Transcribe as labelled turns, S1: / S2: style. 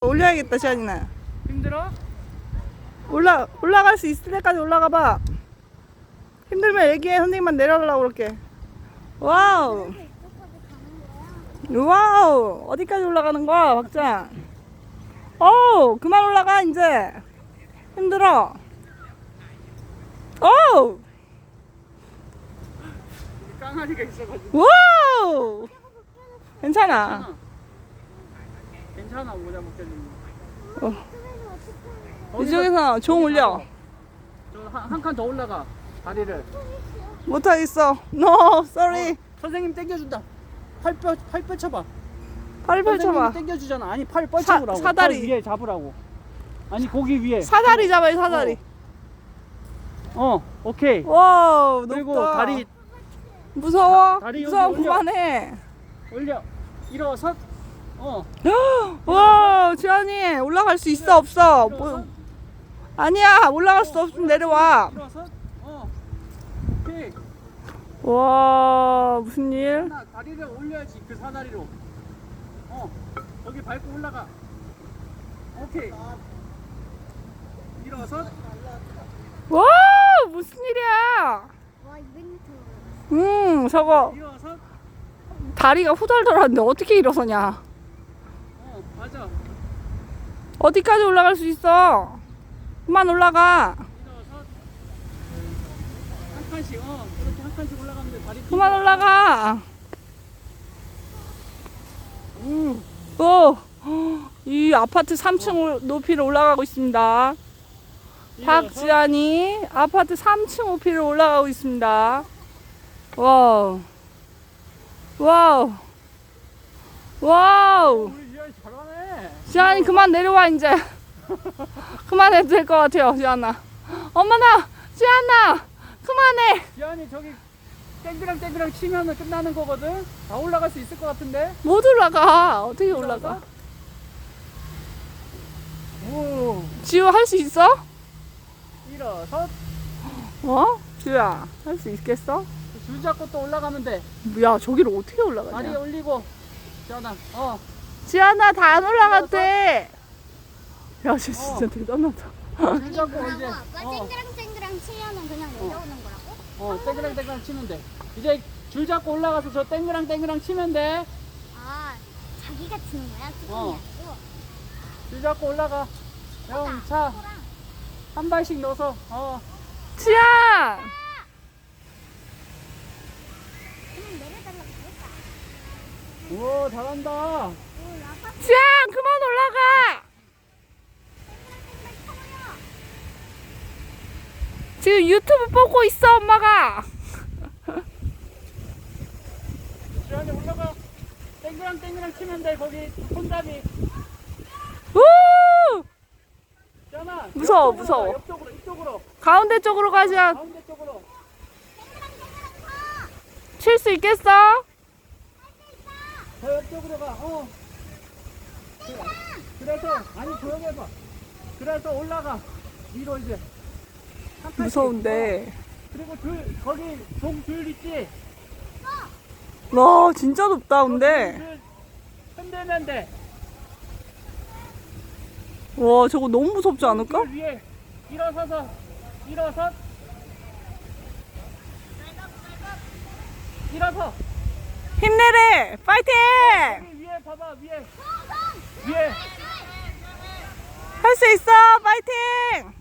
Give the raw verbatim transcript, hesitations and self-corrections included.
S1: 올려야겠다, 지안이나.
S2: 힘들어?
S1: 올라, 올라갈 수 있을 때까지 올라가 봐. 힘들면 얘기해. 선생님만 내려가려고 그럴게. 와우. 와우. 어디까지 올라가는 거야, 박자? 어우, 그만 올라가, 이제. 힘들어. 어우.
S2: 깡아리가 있어가지고.
S1: 와우. 괜찮아.
S2: 괜찮아, 모자 벗겨주는
S1: 어. 이쪽에서 종 올려.
S2: 저한 칸 더 올라가. 다리를.
S1: 못하겠어. No, sorry.
S2: 어, 선생님 당겨준다. 팔 뼈, 팔 뻗쳐봐.
S1: 팔 펼쳐봐.
S2: 선생님이 당겨주잖아. 아니, 팔 뻗쳐보라고.
S1: 사- 사다리.
S2: 팔 위에 잡으라고. 아니, 고기 위에.
S1: 사다리 잡아요, 사다리.
S2: 어, 오케이.
S1: 와우,
S2: 그리고
S1: 높다.
S2: 다리
S1: 무서워.
S2: 다리 여기
S1: 무서워,
S2: 올려.
S1: 그만해.
S2: 올려. 일어서. 어.
S1: 와, 지안이 올라갈 수 있어, 없어? 뭐, 아니야, 올라갈 수 없으면 내려와.
S2: 일어서. 어. 오케이.
S1: 와, 무슨 일?
S2: 하나, 다리를 올려야지. 그 사다리로. 어. 거기 밟고 올라가. 오케이. 일어서.
S1: 와, 무슨 일이야?
S3: 와 이벤트.
S1: 음, 저거
S2: 일어서.
S1: 다리가 후덜덜한데 어떻게 일어서냐?
S2: 어, 맞아.
S1: 어디까지 올라갈 수 있어? 그만 올라가.
S2: 일어서. 한 칸씩. 어. 그렇게 한 칸씩 올라가면 돼. 다리.
S1: 그만 올라가.
S2: 음.
S1: 오, 이 아파트 삼 층 높이로 올라가고 있습니다. 박지안이 아파트 삼 층 높이로 올라가고 있습니다. 와우. 와우. 와우.
S2: 우리 지안이 잘하네.
S1: 지안이 그만 내려와, 이제. 그만해도 될 것 같아요, 지안아. 엄마나, 지안아, 그만해.
S2: 지안이 저기 땡그랑 땡그랑 치면은 끝나는 거거든. 다 올라갈 수 있을 것 같은데.
S1: 못 올라가. 어떻게 올라가?
S2: 오.
S1: 지우 할 수 있어?
S2: 일어서.
S1: 어? 지우야, 할 수 있겠어?
S2: 줄 잡고 또 올라가면 돼.
S1: 야, 저기를 어떻게
S2: 다리
S1: 올라가냐?
S2: 올리고. 지안아. 어.
S1: 지안아, 다 안 올라갔대. 야, 쟤 진짜
S2: 어.
S1: 대단하다.
S2: 줄 잡고
S3: 뭐라고
S2: 이제.
S3: 아빠
S2: 어.
S3: 쨍그랑쨍그랑 치면은 그냥 내려오는 거라고?
S2: 어. 땡그랑 땡그랑 치면 돼. 이제 줄 잡고 올라가서 저 땡그랑 땡그랑 치면 돼.
S3: 아 자기가 치는 거야?
S2: 어.
S3: 수건이 아니고?
S2: 줄 잡고 올라가. 형, 차. 한 발씩 넣어서. 어.
S1: 지안!
S3: 그냥 내려달라고 그랬다.
S2: 오, 잘한다.
S3: 오 아빠
S1: 지안, 그만 올라가! 지금 유튜브 보고 있어, 엄마가.
S2: 지안이 올라가. 땡그랑 땡그랑 치면 돼. 거기 손잡이.
S1: 우!
S2: 지안아.
S1: 무서워,
S2: 옆쪽으로
S1: 무서워.
S2: 가, 옆쪽으로, 이쪽으로.
S1: 가운데 쪽으로 가, 지안.
S2: 가운데 쪽으로.
S1: 칠 수 있겠어?
S2: 저 옆쪽으로 가. 어. 그래. 그래서 아니 조용히 해봐. 그래서 올라가. 위로 이제. 한 칸씩.
S1: 무서운데.
S2: 어. 그리고 줄 거기 종줄 있지.
S1: 와, 진짜 높다, 근데.
S2: 줄 흔들면 돼.
S1: 와, 저거 너무 무섭지 않을까?
S2: 줄 위에 일어서서 일어서. 일어서.
S1: 힘내래! 파이팅!
S2: 여기 위에 봐봐 위에. 위에.
S1: 할 수 있어! 파이팅!